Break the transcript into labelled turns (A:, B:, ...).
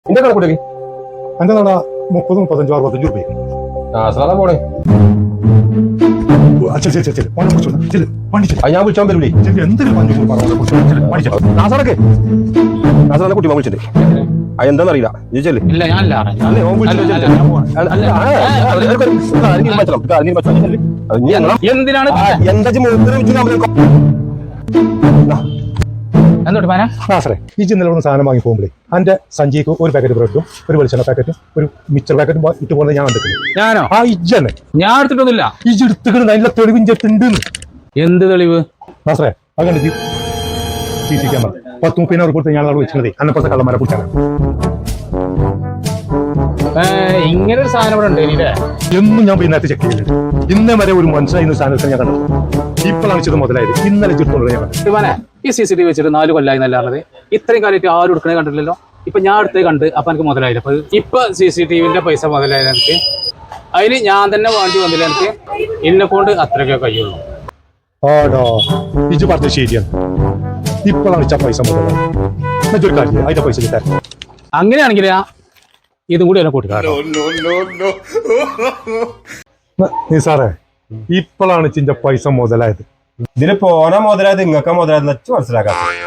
A: എന്റെ കണക്കൂട്ടി
B: എന്റെ നട 30, 35, 65 രൂപ.
A: പോണേ ഞാൻ വിളിച്ചോൻ വരൂലേ
B: എന്തെങ്കിലും
A: കുട്ടി വിളിച്ചിട്ട് എന്താന്നറിയില്ല ചോദിച്ചല്ലേ
C: എന്തിനാണ് എന്നോട്ട്
B: ഈ ഇന്നലെ സാധനം വാങ്ങി പോകുമ്പോഴേ എന്റെ സഞ്ചിക്ക് ഒരു പാക്കറ്റ് ബ്രെഡും ഒരു വെളിച്ചെണ്ണ പാക്കറ്റും ഒരു മിക്സർ പാക്കറ്റും ഇട്ട് പോകുന്നത് ഞാൻ കണ്ടിട്ടുണ്ട്.
C: ഞാനോ?
B: ആ ഇജ്ജന്നെ
C: ഞാൻ എടുത്തിട്ടൊന്നുമില്ല.
B: ഇജ് എടുത്തിട്ടുണ്ട്. അതിന്റെ തെളിവിഞ്ചെട്ടുണ്ട്.
C: എന്ത് തെളിവ്?
B: നാസറേ അത് കണ്ടിട്ട് CC ക്യാമറ 10-30 കൊടുത്ത് ഞാൻ അവിടെ വെച്ചിരുന്നതേ അന്നപ്പുറത്തെ കള്ളന്മാരെ കുറിച്ചാണ്.
C: ഇങ്ങനെ ഒരു സാധനം ഇവിടെ ഉണ്ട്
B: എന്നും ഞാൻ പിന്നത്തെ ചെക്ക് ചെയ്തിട്ടുണ്ട്. ഇന്നേ വരെ ഒരു മനസ്സിലായി സാധനത്തിൽ ഞാൻ കണ്ടു. ഇപ്പോഴാണ് ഇത് മുതലായത്. ഇന്നലെ ചുറ്റുള്ളത് ഞാൻ കണ്ടു.
C: ഈ CCTV വെച്ചിട്ട് 4 കൊല്ലായി നല്ലാണത്. ഇത്രയും കാലമായിട്ട് ആരും എടുക്കണേ കണ്ടില്ലല്ലോ. ഇപ്പൊ ഞാൻ അടുത്തേ കണ്ട് അപ്പൊ എനിക്ക് മുതലായില്ല. അപ്പൊ ഇപ്പൊ CCTVന്റെ പൈസ മുതലായത് എനിക്ക്. അതിന് ഞാൻ തന്നെ വേണ്ടി വന്നില്ല. എനിക്ക് എന്നെ കൊണ്ട് അത്രയൊക്കെ കഴിയുള്ളൂ.
B: ആടോ ഇജ് പറഞ്ഞത് ശരിയാണ്. ഇപ്പോഴാണ് പൈസ മുതലായത്. ഒരു കാര്യം അതിന്റെ പൈസ കിട്ടാൻ
C: അങ്ങനെയാണെങ്കിൽ ഇതും കൂടി എന്നെ കൂട്ടിക്കാരോ.
B: സാറേ ഇപ്പോഴാണ് ചിന്റെ പൈസ മുതലായത്.
A: ഇതിന് പോന മുതലായത് ഇങ്ങക്ക മുതലായത് മനസ്സിലാക്കാം.